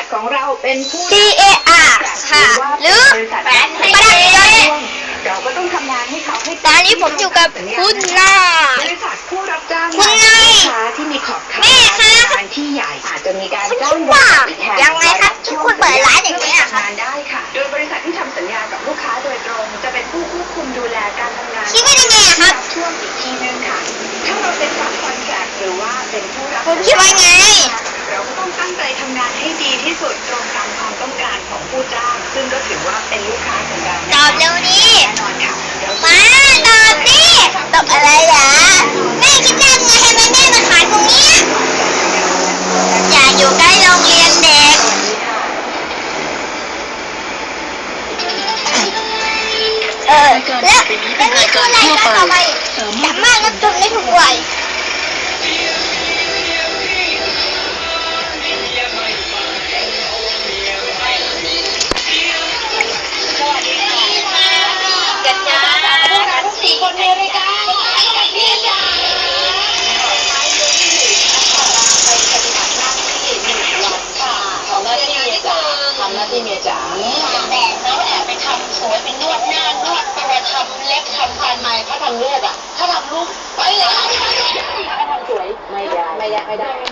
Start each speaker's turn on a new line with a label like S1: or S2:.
S1: ของเราเป็นผู้
S2: CAR ค่ะหรือประดับยนต์
S1: เราก็ต้องทำงานให้เขาให้
S2: ตอนนี้ผมอยู่กับคุณนา
S1: บริษัทผู้รับจ้าง
S2: คุณนาย
S1: ลูกค้าที่มีขอบข่าย
S2: แม่คะ
S1: งานที่ใหญ่อาจจะมีการ
S2: คุณ
S1: จ้า
S2: คิ
S1: ง
S2: ดว่า
S1: บริษัท
S2: ยังไงครับที่คุณเปิดร้านอย่างนี้อะครับ
S1: งานได้ค่ะ โดยบริษัทที่ทำสัญญากับลูกค้าโดยตรงจะเป็นผู้ควบคุมดูแลการทำงาน
S2: คิดว่ายังไงอะครับ
S1: ช่วงอีกทีนึงค่ะ ถ้าเราเป็นรับคอนแทคหรือว่าเป็นผู้รับ
S2: ผมคิดว่าไง
S1: เราก็ต้องตั้งใจทำงานให้ดีที่สุดตรงตามความต้องการของผู้จ้าง ซึ่งก็ถือว่าเป็นลูกค้าของเรา
S2: ตอบเร็วนี้
S1: แน่นอนค่ะเดี๋ยว
S2: มาตอบสิตอบอะไรเหรอแม่คิดได้ไงทำไมแม่มาขายตรงเนี้ยอย่าอยู่ใกล้โรงเรียนเด็กแล้วนี่คือรายการต่อไปสามารถรับชมได้ทุกวัยกันจ้าพวกเราทั้ง4 คนในรายการเรียนจ้า
S1: ทำหน้าที่เมียจ๋าทำหน้าที่เมียจ๋า
S3: แต่แล้วแอบไปทำสวยเป็นนวดหน้านวดตัวทำเล็บทำฟันใหม่ถ้าทำเลือดอ่ะถ้าทำลูกไปเลยถ้าทำสวยไม่ได้